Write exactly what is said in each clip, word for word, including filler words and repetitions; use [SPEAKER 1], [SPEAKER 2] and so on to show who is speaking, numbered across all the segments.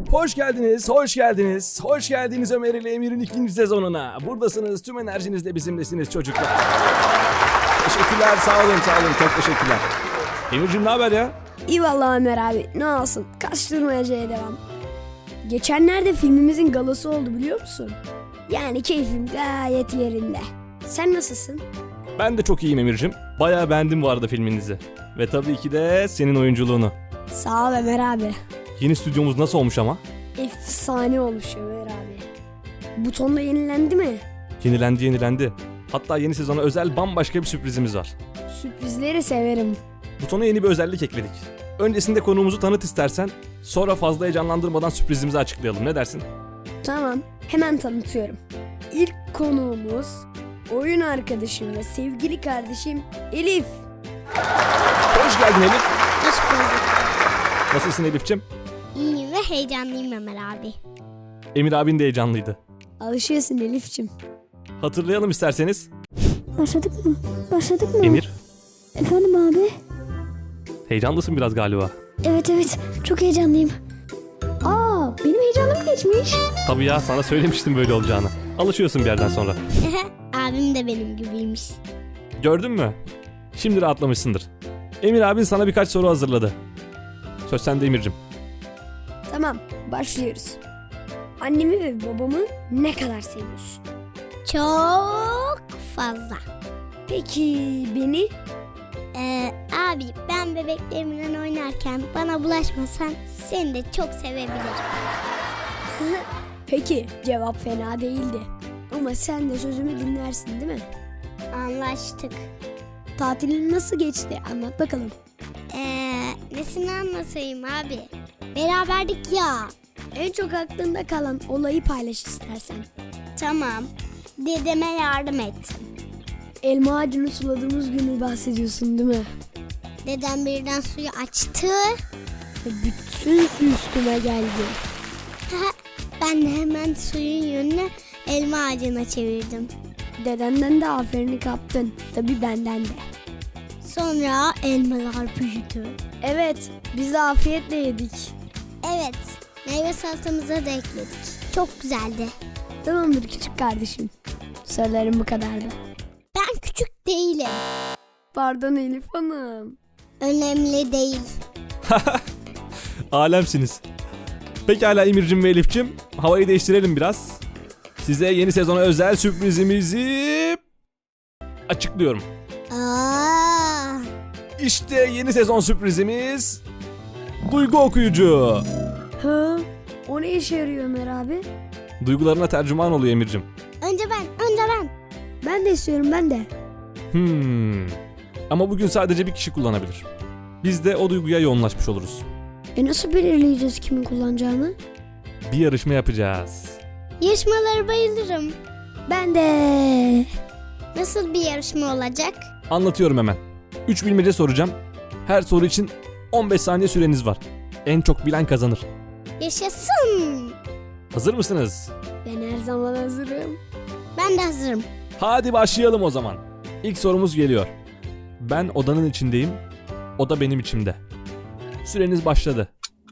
[SPEAKER 1] Hoş geldiniz, hoş geldiniz, hoş geldiniz Ömer ile Emir'in ikinci sezonuna. Buradasınız, tüm enerjinizle bizimlesiniz çocuklar. Teşekkürler, sağ olun, sağ olun, çok teşekkürler. Emir'cim ne haber ya?
[SPEAKER 2] İyi vallahi Ömer abi, ne olsun, kaçtırmacaya devam. Geçenlerde filmimizin galası oldu biliyor musun? Yani keyfim gayet yerinde. Sen nasılsın?
[SPEAKER 1] Ben de çok iyiyim Emir'cim. Bayağı beğendim bu arada filminizi. Ve tabii ki de senin oyunculuğunu.
[SPEAKER 2] Sağ ol Ömer abi.
[SPEAKER 1] Yeni stüdyomuz nasıl olmuş ama?
[SPEAKER 2] Efsane olmuş Ömer abi. Buton da yenilendi mi?
[SPEAKER 1] Yenilendi yenilendi. Hatta yeni sezona özel bambaşka bir sürprizimiz var.
[SPEAKER 2] Sürprizleri severim.
[SPEAKER 1] Butona yeni bir özellik ekledik. Öncesinde konuğumuzu tanıt istersen, sonra fazla heyecanlandırmadan sürprizimizi açıklayalım. Ne dersin?
[SPEAKER 2] Tamam, hemen tanıtıyorum. İlk konuğumuz oyun arkadaşım ve sevgili kardeşim Elif.
[SPEAKER 1] Hoş geldin Elif.
[SPEAKER 3] Hoş bulduk.
[SPEAKER 1] Nasılsın Elif'ciğim?
[SPEAKER 3] İyiyim ve heyecanlıyım Ömer abi.
[SPEAKER 1] Emir abin de heyecanlıydı.
[SPEAKER 2] Alışıyorsun Elif'cim.
[SPEAKER 1] Hatırlayalım isterseniz.
[SPEAKER 4] Başladık mı? Başladık mı?
[SPEAKER 1] Emir,
[SPEAKER 4] Efendim abi?
[SPEAKER 1] heyecanlısın biraz galiba.
[SPEAKER 4] Evet evet çok heyecanlıyım. Aa benim heyecanım geçmiş.
[SPEAKER 1] Tabii ya, sana söylemiştim böyle olacağını. Alışıyorsun bir yerden sonra.
[SPEAKER 3] Abim de benim gibiymiş.
[SPEAKER 1] Gördün mü? Şimdi rahatlamışsındır. Emir abin sana birkaç soru hazırladı. Söz sende Emir'cim.
[SPEAKER 2] Tamam, başlıyoruz. Annemi ve babamı ne kadar seviyorsun?
[SPEAKER 3] Çok fazla.
[SPEAKER 2] Peki beni?
[SPEAKER 3] Ee, abi ben bebeklerimle oynarken bana bulaşmasan seni de çok sevebilirim.
[SPEAKER 2] Peki, cevap fena değildi. Ama sen de sözümü dinlersin değil mi?
[SPEAKER 3] Anlaştık.
[SPEAKER 2] Tatilin nasıl geçti? Anlat bakalım.
[SPEAKER 3] Ee, nesini anlatayım abi? Beraberdik ya.
[SPEAKER 2] En çok aklında kalan olayı paylaş istersen.
[SPEAKER 3] Tamam. Dedeme yardım ettim.
[SPEAKER 2] Elma ağacını suladığımız günü bahsediyorsun değil mi?
[SPEAKER 3] Dedem birden suyu açtı.
[SPEAKER 2] Ve bütün su üstüme geldi.
[SPEAKER 3] Ben de hemen suyun yönünü elma ağacına çevirdim.
[SPEAKER 2] Dedenden de aferini kaptın. Tabii benden de.
[SPEAKER 3] Sonra elmalar büyüdü.
[SPEAKER 2] Evet, biz de afiyetle yedik.
[SPEAKER 3] Evet, meyve salatamıza da ekledik. Çok güzeldi.
[SPEAKER 2] Tamamdır küçük kardeşim. Sorularım bu kadardı.
[SPEAKER 3] Ben küçük değilim.
[SPEAKER 2] Pardon Elif Hanım.
[SPEAKER 3] Önemli değil.
[SPEAKER 1] Alemsiniz. Pekala Emir'cim ve Elif'cim, havayı değiştirelim biraz. Size yeni sezona özel sürprizimizi açıklıyorum.
[SPEAKER 3] Aa,
[SPEAKER 1] İşte yeni sezon sürprizimiz Duygu Okuyucu.
[SPEAKER 2] Ha? O ne işe yarıyor Ömer abi?
[SPEAKER 1] Duygularına tercüman oluyor Emir'cim.
[SPEAKER 3] önce ben, önce ben.
[SPEAKER 2] Ben de istiyorum ben de.
[SPEAKER 1] Hmm. Ama bugün sadece bir kişi kullanabilir. Biz de o duyguya yoğunlaşmış oluruz.
[SPEAKER 2] E nasıl belirleyeceğiz kimin kullanacağını?
[SPEAKER 1] Bir yarışma yapacağız.
[SPEAKER 3] Yarışmalara bayılırım.
[SPEAKER 2] Ben de.
[SPEAKER 3] Nasıl bir yarışma olacak?
[SPEAKER 1] Anlatıyorum hemen. üç bilmece soracağım. Her soru için on beş saniye süreniz var. En çok bilen kazanır.
[SPEAKER 3] Yaşasın.
[SPEAKER 1] Hazır mısınız?
[SPEAKER 2] Ben her zaman hazırım.
[SPEAKER 3] Ben de hazırım.
[SPEAKER 1] Hadi başlayalım o zaman. İlk sorumuz geliyor. Ben odanın içindeyim. Oda benim içimde. Süreniz başladı.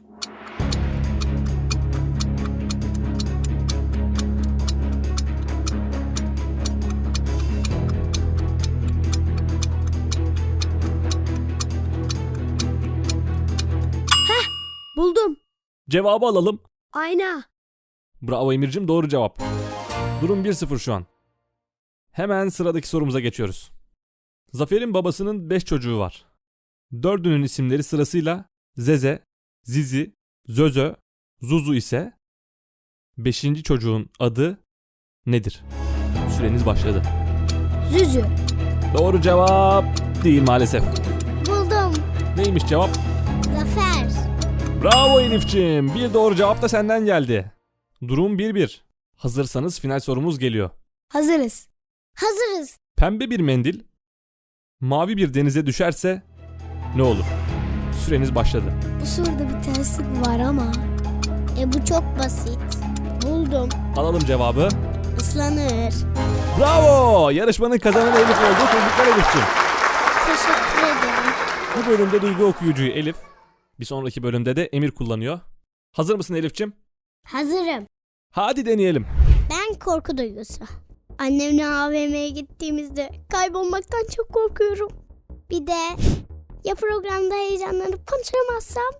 [SPEAKER 2] Buldum.
[SPEAKER 1] Cevabı alalım.
[SPEAKER 2] Ayna.
[SPEAKER 1] Bravo Emir'cim, doğru cevap. Durum bir sıfır şu an. Hemen sıradaki sorumuza geçiyoruz. Zafer'in babasının beş çocuğu var. Dördünün isimleri sırasıyla Zeze, Zizi, Zözö, Zuzu ise beşinci çocuğun adı nedir? Süreniz başladı.
[SPEAKER 2] Züzü.
[SPEAKER 1] Doğru cevap değil maalesef.
[SPEAKER 3] Buldum.
[SPEAKER 1] Neymiş cevap?
[SPEAKER 3] Zafer.
[SPEAKER 1] Bravo Elif'ciğim. Bir doğru cevap da senden geldi. Durum bir bir. Hazırsanız final sorumuz geliyor.
[SPEAKER 2] Hazırız.
[SPEAKER 3] Hazırız.
[SPEAKER 1] Pembe bir mendil mavi bir denize düşerse ne olur? Süreniz başladı.
[SPEAKER 2] Bu soruda bir terslik var ama.
[SPEAKER 3] E bu çok basit. Buldum.
[SPEAKER 1] Alalım cevabı.
[SPEAKER 3] Islanır.
[SPEAKER 1] Bravo! Yarışmanın kazananı Elif oldu. Tebrikler Elif'ciğim.
[SPEAKER 3] Teşekkür ederim.
[SPEAKER 1] Bu bölümde Duygu Okuyucu'yu Elif, bir sonraki bölümde de Emir kullanıyor. Hazır mısın Elif'ciğim?
[SPEAKER 3] Hazırım.
[SPEAKER 1] Hadi deneyelim.
[SPEAKER 3] Ben korku duygusu. Annemle A V M'ye gittiğimizde kaybolmaktan çok korkuyorum. Bir de ya programda heyecanlanıp konuşamazsam?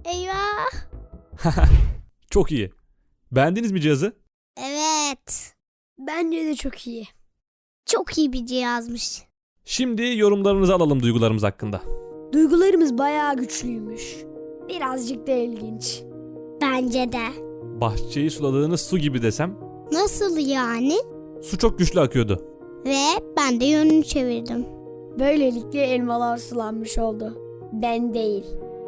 [SPEAKER 3] Eyvah.
[SPEAKER 1] Çok iyi. Beğendiniz mi cihazı?
[SPEAKER 3] Evet.
[SPEAKER 2] Bence de çok iyi.
[SPEAKER 3] Çok iyi bir cihazmış.
[SPEAKER 1] Şimdi yorumlarınızı alalım duygularımız hakkında.
[SPEAKER 2] Duygularımız bayağı güçlüymüş. Birazcık da ilginç.
[SPEAKER 3] Bence de.
[SPEAKER 1] Bahçeyi suladığınız su gibi desem.
[SPEAKER 3] Nasıl yani?
[SPEAKER 1] Su çok güçlü akıyordu.
[SPEAKER 3] Ve ben de yönünü çevirdim.
[SPEAKER 2] Böylelikle elmalar sulanmış oldu. Ben değil.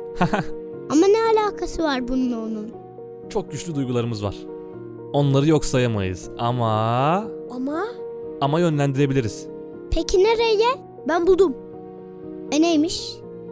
[SPEAKER 3] Ama ne alakası var bununla onun?
[SPEAKER 1] Çok güçlü duygularımız var. Onları yok sayamayız ama...
[SPEAKER 2] Ama
[SPEAKER 1] Ama yönlendirebiliriz.
[SPEAKER 3] Peki nereye?
[SPEAKER 2] ben buldum.
[SPEAKER 3] E neymiş?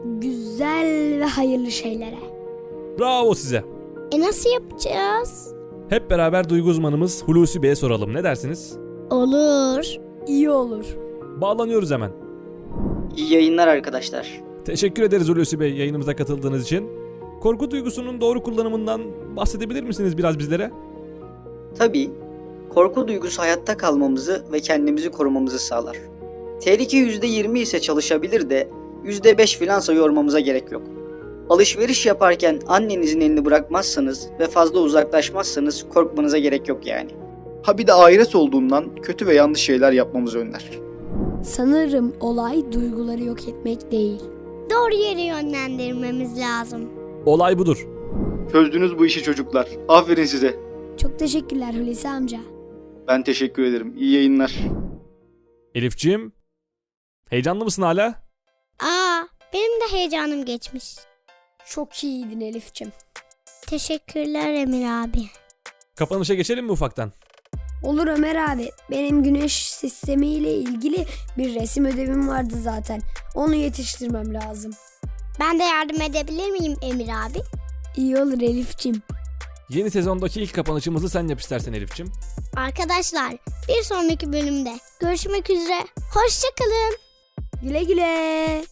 [SPEAKER 2] Güzel ve hayırlı şeylere.
[SPEAKER 1] Bravo size.
[SPEAKER 3] E nasıl yapacağız?
[SPEAKER 1] Hep beraber duygu uzmanımız Hulusi Bey'e soralım. Ne dersiniz?
[SPEAKER 3] Olur.
[SPEAKER 2] İyi olur.
[SPEAKER 1] Bağlanıyoruz hemen.
[SPEAKER 5] İyi yayınlar arkadaşlar.
[SPEAKER 1] Teşekkür ederiz Hulusi Bey yayınımıza katıldığınız için. Korku duygusunun doğru kullanımından bahsedebilir misiniz biraz bizlere?
[SPEAKER 5] Tabii, korku duygusu hayatta kalmamızı ve kendimizi korumamızı sağlar. Tehlike yüzde yirmi ise çalışabilir de yüzde beş filansa yormamıza gerek yok. Alışveriş yaparken annenizin elini bırakmazsanız ve fazla uzaklaşmazsanız korkmanıza gerek yok yani.
[SPEAKER 6] Ha bir de ahiret olduğundan kötü ve yanlış şeyler yapmamızı önler.
[SPEAKER 2] Sanırım olay duyguları yok etmek değil.
[SPEAKER 3] Doğru yere yönlendirmemiz lazım.
[SPEAKER 1] Olay budur.
[SPEAKER 6] Çözdünüz bu işi çocuklar. Aferin size.
[SPEAKER 2] Çok teşekkürler Hulusi amca.
[SPEAKER 6] Ben teşekkür ederim. İyi yayınlar.
[SPEAKER 1] Elifciğim, heyecanlı mısın hala?
[SPEAKER 3] Aa, benim de heyecanım geçmiş.
[SPEAKER 2] Çok iyiydin Elif'cim.
[SPEAKER 3] Teşekkürler Emir abi.
[SPEAKER 1] Kapanışa geçelim mi ufaktan?
[SPEAKER 2] Olur Ömer abi. Benim güneş sistemiyle ilgili bir resim ödevim vardı zaten. Onu yetiştirmem lazım.
[SPEAKER 3] Ben de yardım edebilir miyim Emir abi?
[SPEAKER 2] İyi olur Elif'cim.
[SPEAKER 1] Yeni sezondaki ilk kapanışımızı sen yap istersen Elif'ciğim.
[SPEAKER 3] Arkadaşlar, bir sonraki bölümde görüşmek üzere. Hoşça kalın.
[SPEAKER 2] Güle güle.